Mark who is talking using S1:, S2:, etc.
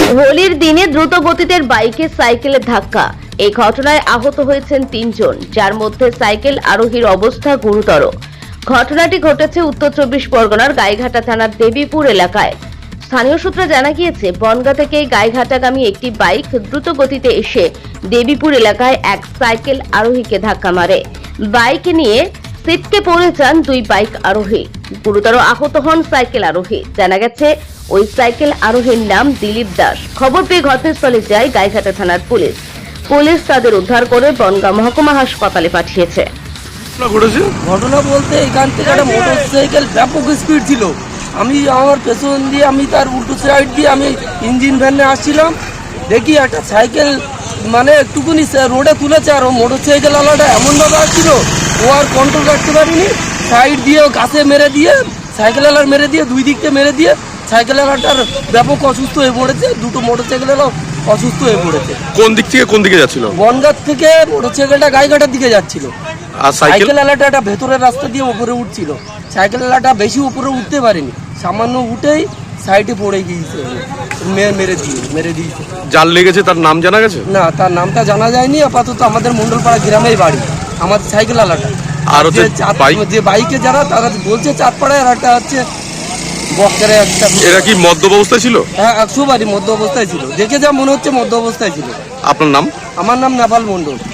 S1: হোলির দিনে দ্রুত গতিতে বাইকে সাইকেলের ধাক্কা। এই ঘটনায় আহত হয়েছেন 3 জন, যার মধ্যে সাইকেল আরোহীর অবস্থা গুরুতর। ঘটনাটি ঘটেছে উত্তর 24 পরগনার গাইঘাটা থানার দেবীপুর এলাকায়। স্থানীয় সূত্রে জানা গিয়েছে, বনগাঁ থেকে গাইঘাটাগামী একটি বাইক দ্রুত গতিতে এসে দেবীপুর এলাকায় এক সাইকেল আরোহীকে ধাক্কা মারে। বাইক নিয়ে ছিটকে পড়ে যান 2 বাইক আরোহী। গুরুতর আহত হন সাইকেল আরোহী। জানা গেছে, ওই সাইকেল আরোহীর নাম দিলীপ দাস। খবর পেয়ে ঘটনাস্থলে যায় গাইঘাটা থানার পুলিশ। পুলিশ তাদের উদ্ধার করে বনগাঁ মহকুমা হাসপাতালে পাঠিয়েছে।
S2: ঘটনা বলতে এখান থেকে একটা মোটরসাইকেল ব্যাপক স্পিড ছিল। আমি আমার পেছন দিয়ে আমি তার উল্টো সাইড দিয়ে আমি ইঞ্জিন ভ্যানে আসছিলাম, দেখি একটা সাইকেল মানে একটুকুনি রোডে তুলেছে, আর ও মোটরসাইকেল আলাদা এমনভাবে আসছিল ও আর কন্ট্রোল করতে পারিনি। সাইড দিয়ে গাছে মেরে দিয়ে সাইকেল আলার মেরে দিয়ে দুই দিকতে মেরে দিয়ে সাইকেল আলাটার ব্যাপক অসুস্থ হয়ে পড়েছে। দুটো মোটরসাইকেল আলাও অসুস্থ হয়ে পড়েছে।
S3: কোন দিক থেকে কোন দিকে যাচ্ছিল?
S2: বনগাঁ থেকে মোটরসাইকেলটা গাইঘাটার দিকে যাচ্ছিল,
S3: আর
S2: সাইকেল আলাটা একটা ভেতরের রাস্তা দিয়ে উপরে উঠছিল। সাইকেল আলাটা বেশি উপরে উঠতে পারেনি, সামান্য উঠেই সাইডে পড়ে গিয়েছে, মেরে দিয়েছে।
S3: যার লেগেছে তার নাম জানা গেছে?
S2: না, তার নামটা জানা যায়নি। আপাতত আমাদের মন্ডলপাড়া গ্রামেই বাড়ি আমাদের সাইকেল আলাটা।
S3: আর হচ্ছে
S2: যে বাইকে যারা তারা বলছে চাঁদপাড়ায়, আর একটা হচ্ছে বক্কারে একটা।
S3: এরা কি মদ্যপ অবস্থায় ছিল?
S2: হ্যাঁ, 100 বারই মধ্য অবস্থায় ছিল। দেখে যা মনে হচ্ছে মধ্য অবস্থায় ছিল।
S3: আপনার নাম?
S2: আমার নাম নেপাল মন্ডল।